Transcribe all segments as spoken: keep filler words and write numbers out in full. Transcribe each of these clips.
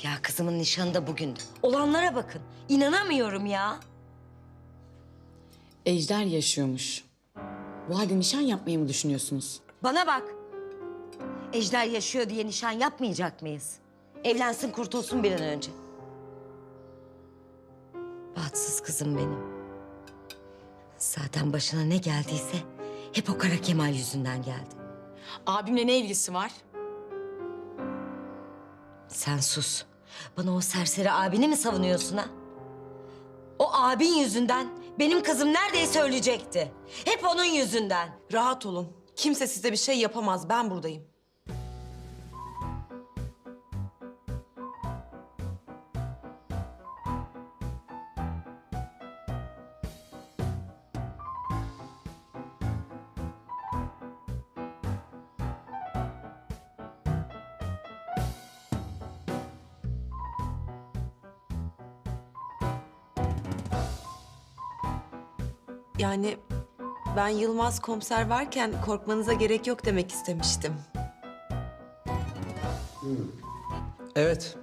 Ya kızımın nişanı da bugündü. Olanlara bakın. İnanamıyorum ya. Ejder yaşıyormuş. Bu halde nişan yapmayı mı düşünüyorsunuz? Bana bak. Ejder yaşıyor diye nişan yapmayacak mıyız? Evlensin kurtulsun bir an önce. Bahtsız kızım benim. Zaten başına ne geldiyse hep o Kara Kemal yüzünden geldi. Abimle ne ilgisi var? Sen sus. Bana o serseri abini mi savunuyorsun ha? O abin yüzünden benim kızım neredeyse ölecekti. Hep onun yüzünden. Rahat olun. Kimse size bir şey yapamaz. Ben buradayım. Yani ben Yılmaz komiser varken korkmanıza gerek yok demek istemiştim. Evet.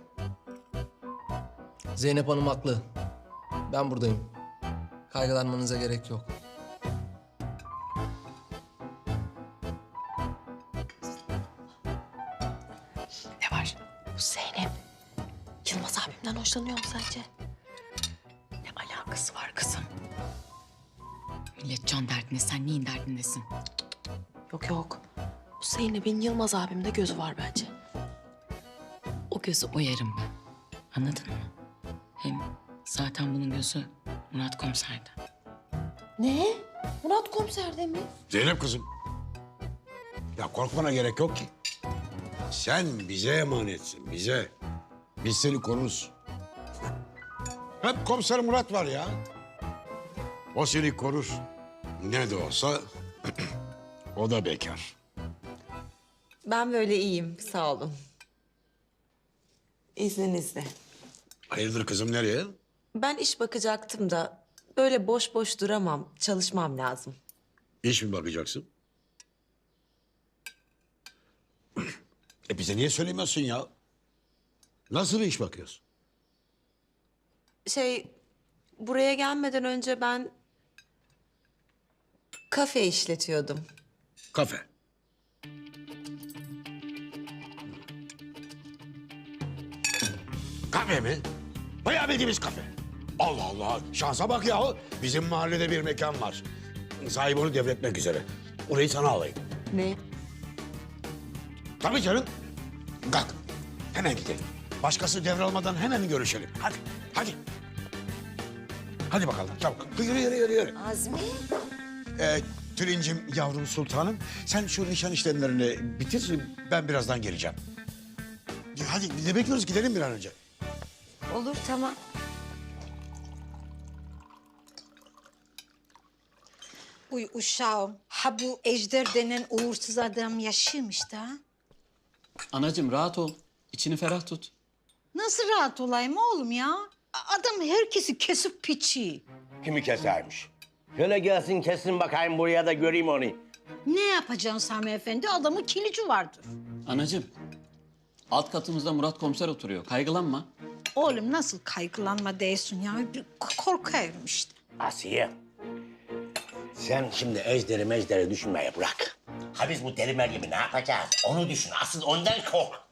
Zeynep Hanım haklı. Ben buradayım. Kaygılanmanıza gerek yok. Ne var? Bu Zeynep. Yılmaz abimden hoşlanıyor mu sence? Ne alakası var kızım? Millet can derdinde, sen neyin derdindesin? Yok yok. Bu Zeynep'in Yılmaz abimde gözü var bence. O gözü oyarım ben. Anladın mı? Hem zaten bunun gözü Murat komiserde. Ne? Murat komiserde mi? Zeynep kızım. Ya korkmana gerek yok ki. Sen bize emanetsin, bize. Biz seni koruruz. Hep komiser Murat var ya. O seni korur. Ne de olsa o da bekar. Ben böyle iyiyim. Sağ olun. İzninizle. Hayırdır kızım, nereye? Ben iş bakacaktım da böyle boş boş duramam. Çalışmam lazım. İş mi bakacaksın? E bize niye söylemiyorsun ya? Nasıl bir iş bakıyorsun? Şey, buraya gelmeden önce ben kafe işletiyordum. Kafe. Kafe mi? Bayağı bildiğimiz kafe. Allah Allah, şansa bak ya. Bizim mahallede bir mekan var. Sahibi onu devretmek üzere. Orayı sana alayım. Ne? Tabii canım. Kalk, hemen gidelim. Başkası devralmadan hemen görüşelim. Hadi, hadi. Hadi bakalım, çabuk. Yürü, yürü, yürü, yürü. Azmi. Ee, Tülincim, yavrum sultanım, sen şu nişan işlemlerini bitir, ben birazdan geleceğim. Hadi, ne bekliyoruz? Gidelim bir an önce. Olur tamam. Uy uşağım, ha bu Ejder denen uğursuz adam yaşıyormuş da. Anacığım rahat ol. İçini ferah tut. Nasıl rahat olayım oğlum ya? A- Adam herkesi kesip piçi. Kimi kesermiş? Şöyle gelsin kessin bakayım buraya da göreyim onu. Ne yapacaksın Sami Efendi? Adamın kilici vardır. Anacığım. Alt katımızda Murat komiser oturuyor. Kaygılanma. Oğlum nasıl kaygılanma değilsin ya? Bir k- korkuyorum işte. Asiye. Sen şimdi ejderi mejderi düşünmeyi bırak. Ha biz bu deli Meryem'i ne yapacağız? Onu düşün. Asıl ondan kork.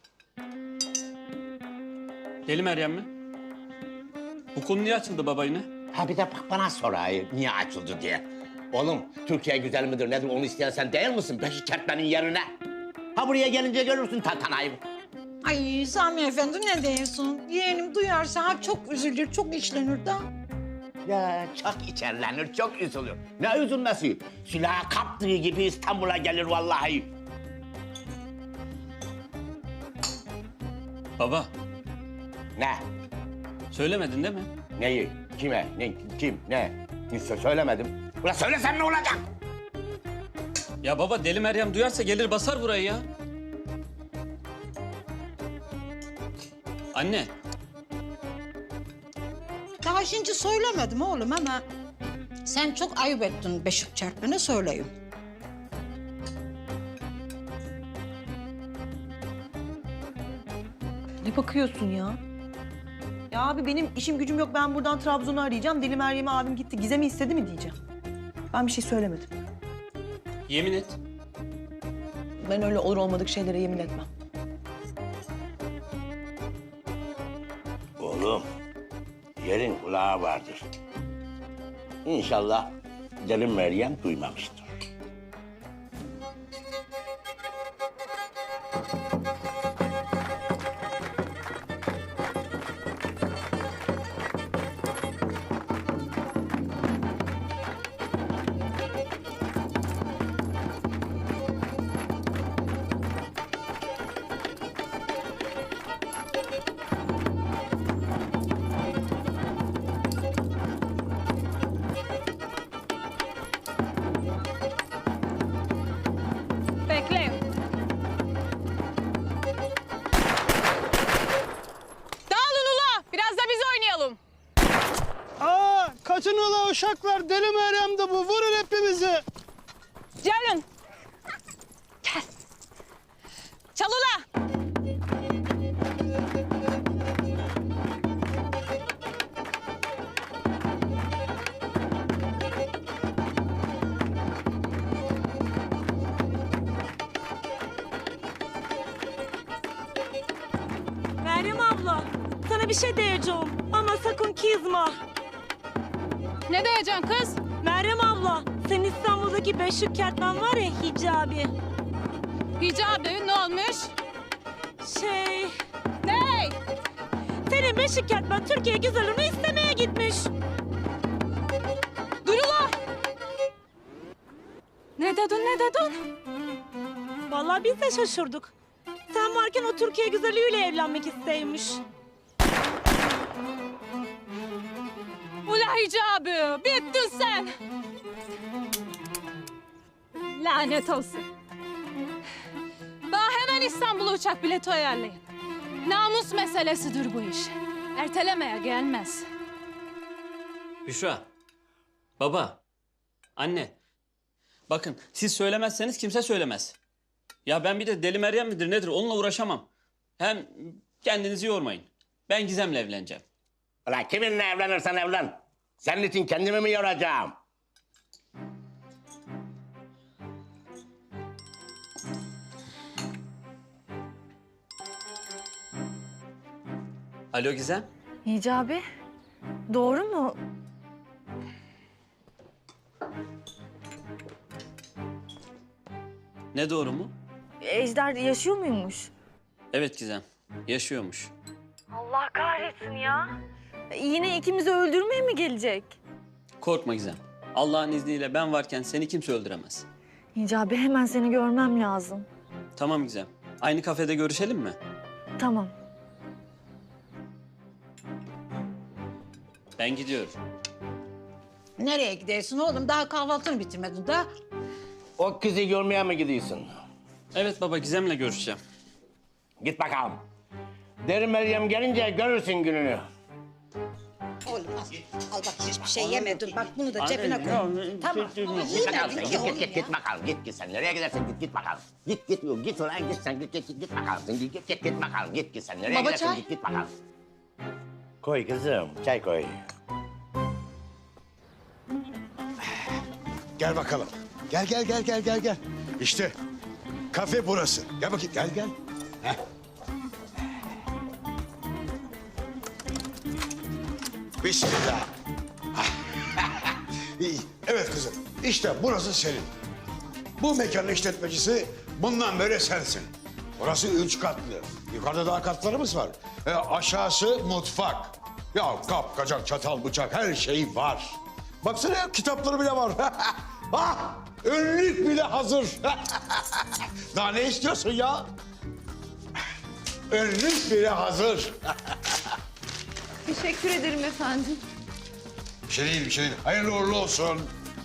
Deli Meryem mi? Bu konu niye açıldı baba yine? Ha bir de bak bana sorayım niye açıldı diye. Oğlum Türkiye güzel midir nedir onu isteyen sen değil misin? Beşi kertmenin yerine. Ha buraya gelince görürsün tantanayı. Ay Sami Efendi ne diyorsun? Yeğenim duyarsa ha çok üzülür, çok içlenir de. Ya çok içerlenir, çok üzülür. Ne üzülmesi? Silahı kaptığı gibi İstanbul'a gelir vallahi. Baba, Ne? söylemedin değil mi? Neyi? Kime? Ne? Kim? Ne? Hiç sö- söylemedim. Ulan söylesem ne olacak? Ya baba Deli Meryem duyarsa gelir basar burayı ya. Anne, Daha şimdi söylemedim oğlum ama sen çok ayıp ettin beşik çarpmanı söyleyeyim. Ne bakıyorsun ya? Ya abi benim işim gücüm yok. Ben buradan Trabzon'u arayacağım. Deli Meryem'e abim gitti. Gizem'i istedi mi diyeceğim. Ben bir şey söylemedim. Yemin et. Ben öyle olur olmadık şeylere yemin etmem. Oğlum, yerin kulağı vardır. İnşallah Deli Meryem duymamıştır. Bekleyin. Dağılın ula. Biraz da biz oynayalım. Aa, kaçın ula uşaklar. Deli Meryem de bu. Vurun hepimizi. Gelin. Gel. Çal ula. Meryem abla, sana bir şey diyeceğim ama sakın kızma. Ne diyeceksin kız? Meryem abla, senin İstanbul'daki Beşik Kertmen var ya Hicabi. Hicabi ne olmuş? Şey, Ney? senin Beşik Kertmen Türkiye güzelini istemeye gitmiş. Dur ula. Ne dedin ne dedin? Vallahi biz de şaşırdık. Sen varken o Türkiye güzeliyle evlenmek isteymiş. Ula Hicabi bittin sen. Lanet olsun. Daha hemen İstanbul'a uçak bileti ayarlayın. Namus meselesidir bu iş. Ertelemeye gelmez. Büşra. Baba. Anne. Bakın siz söylemezseniz kimse söylemez. Ya ben bir de Deli Meryem midir nedir onunla uğraşamam. Hem kendinizi yormayın. Ben Gizem'le evleneceğim. Ulan kiminle evlenirsen evlen. Senin için kendimi mi yoracağım? Alo Gizem. Hicabi, doğru mu? Ne doğru mu? Ejder yaşıyor muymuş? Evet Gizem. Yaşıyormuş. Allah kahretsin ya. Yine ikimizi öldürmeye mi gelecek? Korkma Gizem. Allah'ın izniyle ben varken seni kimse öldüremez. Hicabi hemen seni görmem lazım. Tamam Gizem. Aynı kafede görüşelim mi? Tamam. Ben gidiyorum. Nereye gidiyorsun oğlum? Daha kahvaltını bitirmedin daha. O kızı görmeye mi gidiyorsun? Evet baba Gizem'le görüşeceğim. Git bakalım. Deli Meryem gelince görürsün gününü. Oğlum al. Al bak hiçbir şey yemedin. Bak bunu da Anne, cebine koy. ya, Tamam. şey Ama değil mi? Git bakalım yemedin sen, ki git oğlum git git ya. git bakalım. Git git sen nereye gidersin git git bakalım. Git git yok git ulan git sen git git git, git bakalım. Sen git git git git bakalım. Git git sen nereye Baba, gidersin çay. git git bakalım. Koy kızım çay koy. Gel bakalım. Gel gel gel gel gel gel. İşte kafe burası. Gel bakayım gel gel. Heh. Bismillah. İyi. Evet kızım. İşte burası senin. Bu mekanın işletmecisi bundan böyle sensin. Burası üç katlı. Yukarıda daha katlarımız var. E, aşağısı mutfak. Ya kap, kacak, çatal, bıçak her şey var. Baksana ya kitapları bile var. Ah, önlük bile hazır. Daha ne istiyorsun ya? Önlük bile hazır. Teşekkür ederim efendim. Bir şey değil, bir şey değil. Hayırlı uğurlu olsun.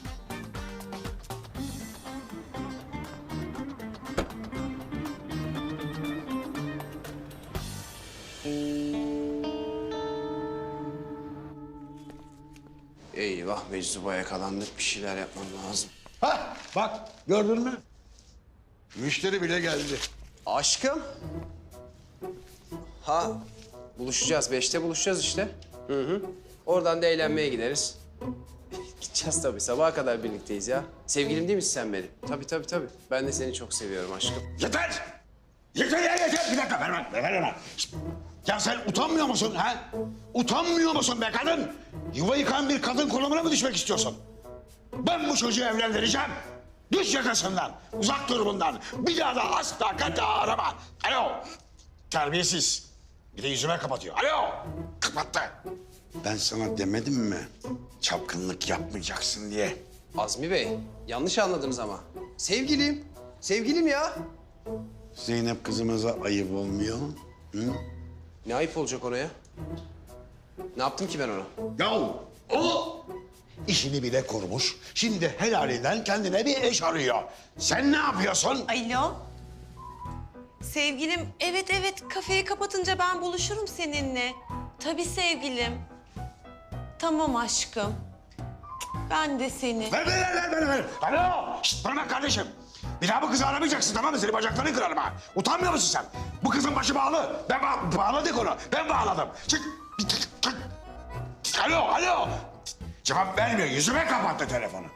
Eyvah meczuba yakalandık. Bir şeyler yapmam lazım. Hah, bak gördün mü? Müşteri bile geldi. Aşkım. Ha buluşacağız. Beşte buluşacağız işte. Hı hı. Oradan da eğlenmeye gideriz. Gideceğiz tabii. Sabaha kadar birlikteyiz ya. Sevgilim değil misin sen benim? Tabii tabii tabii. Ben de seni çok seviyorum aşkım. Yeter! Yeter ya yeter! Bir dakika ver bana, ver bana. Şişt! Ya sen utanmıyor musun ha? Utanmıyor musun be kadın? Yuva yıkan bir kadın konumuna mı düşmek istiyorsun? Ben bu çocuğu evlendireceğim. Düş yakasından, uzak dur bundan. Bir daha da asla kata arama. Alo! Terbiyesiz. Bir de yüzüme kapatıyor. Alo! Kapattı. Ben sana demedim mi? Çapkınlık yapmayacaksın diye. Azmi Bey, yanlış anladınız ama. Sevgilim. Sevgilim ya. Zeynep kızımıza ayıp olmuyor. Hı? Ne ayıp olacak oraya? Ne yaptım ki ben ona? Ya o işini bile kurmuş. Şimdi helalinden kendine bir eş arıyor. Sen ne yapıyorsun? Alo. Sevgilim, evet evet kafeyi kapatınca ben buluşurum seninle. Tabii sevgilim. Tamam aşkım. Ben de seni. Ver, ver, ver, ver, ver. Alo! Şişt, bana bak kardeşim. Bir daha bu kızı aramayacaksın, tamam mı? Senin bacaklarını kırarım ha. Utanmıyor musun sen? Bu kızın başı bağlı. Ben ba bağladık onu. Ben bağladım. Çık. Çık, çık. Alo, alo. Cevap vermiyor. Yüzüme kapattı telefonu.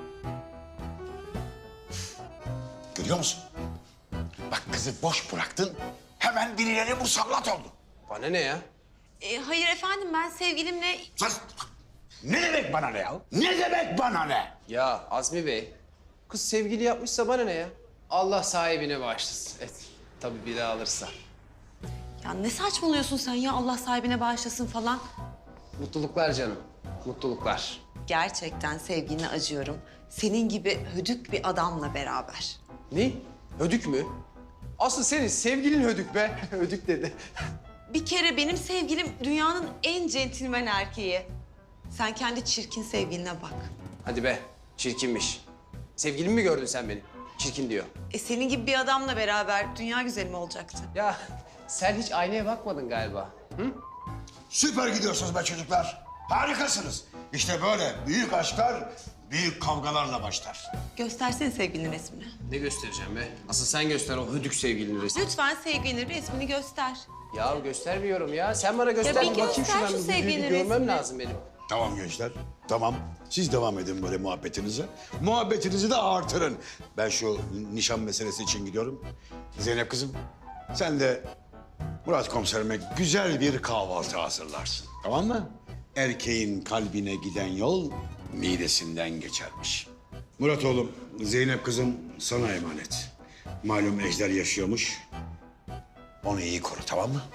Görüyor musun? Bak kızı boş bıraktın. Hemen birileri musallat oldu. Bana ne ya? E, hayır efendim ben sevgilimle... Sus. Ne demek bana ne ya? Ne demek bana ne? Ya Azmi Bey, kız sevgili yapmışsa bana ne ya? Allah sahibine bağışlasın. Et. Tabii biri alırsa. Ya ne saçmalıyorsun sen ya Allah sahibine bağışlasın falan. Mutluluklar canım, mutluluklar. Gerçekten sevgiline acıyorum. Senin gibi hödük bir adamla beraber. Ne? Hödük mü? Asıl senin sevgilin hödük be. Hödük dedi. Bir kere benim sevgilim dünyanın en centilmen erkeği. Sen kendi çirkin sevgiline bak. Hadi be, çirkinmiş. Sevgilimi mi gördün sen benim? Çirkin diyor. E senin gibi bir adamla beraber dünya güzeli mi olacaktı? Ya sen hiç aynaya bakmadın galiba. Hı? Süper gidiyorsunuz be çocuklar. Harikasınız. İşte böyle büyük aşklar büyük kavgalarla başlar. Göstersene sevgilinin resmini. Ne göstereceğim be? Asıl sen göster o hödük sevgilinin resmini. Lütfen sevgilinin resmini göster. Ya göstermiyorum ya. Sen bana göster. bir bakayım göster şuradan. şu Bir- bir sevgilinin görmem resmini. lazım benim. Tamam gençler, tamam. Siz devam edin böyle muhabbetinize. Muhabbetinizi de artırın. Ben şu nişan meselesi için gidiyorum. Zeynep kızım, sen de Murat komiserime güzel bir kahvaltı hazırlarsın. Tamam mı? Erkeğin kalbine giden yol midesinden geçermiş. Murat oğlum, Zeynep kızım sana emanet. Malum Ejder yaşıyormuş. Onu iyi koru, tamam mı?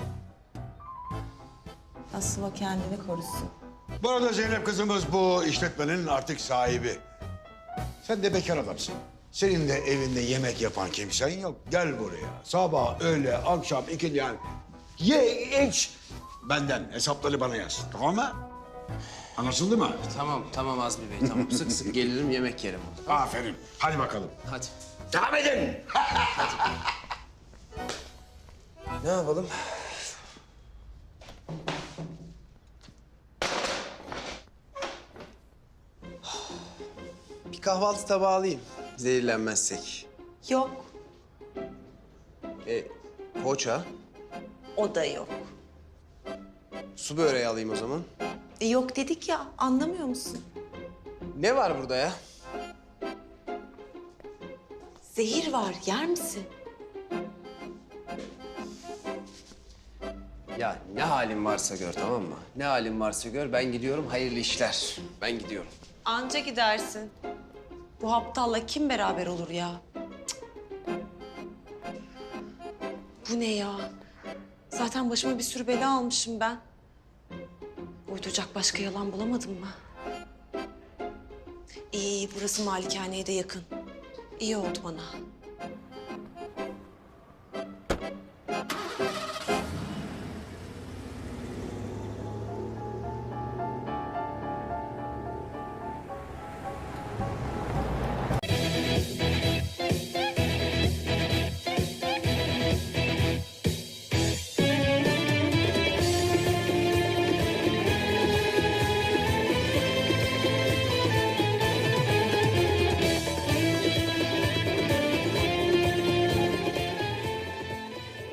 Asıl o kendini korusun. Bu arada Zeynep kızımız bu işletmenin artık sahibi. Sen de bekar adamsın. Senin de evinde yemek yapan kimsen yok. Gel buraya. Sabah, öğle, akşam, ikindi yani. Ye, iç. Benden hesapları bana yaz. Tamam mı? Anlaşıldı mı? Tamam, tamam Azmi Bey. Tamam. Sık sık gelirim, yemek yerim. Aferin. Hadi bakalım. Hadi. Devam edin. Ne yapalım? Bir kahvaltı tabağı alayım. Zehirlenmezsek. Yok, E, poğaça, o da yok. su böreği alayım o zaman. E, yok dedik ya, anlamıyor musun? Ne var burada ya? Zehir var, yer misin? Ya ne halin varsa gör, tamam mı? Ne halin varsa gör, ben gidiyorum. Hayırlı işler. Ben gidiyorum. Anca gidersin. Bu aptalla kim beraber olur ya? Cık. Bu ne ya? Zaten başıma bir sürü bela almışım ben. Uyduracak başka yalan bulamadım mı? İyi, iyi, burası malikaneye de yakın. İyi oldu bana.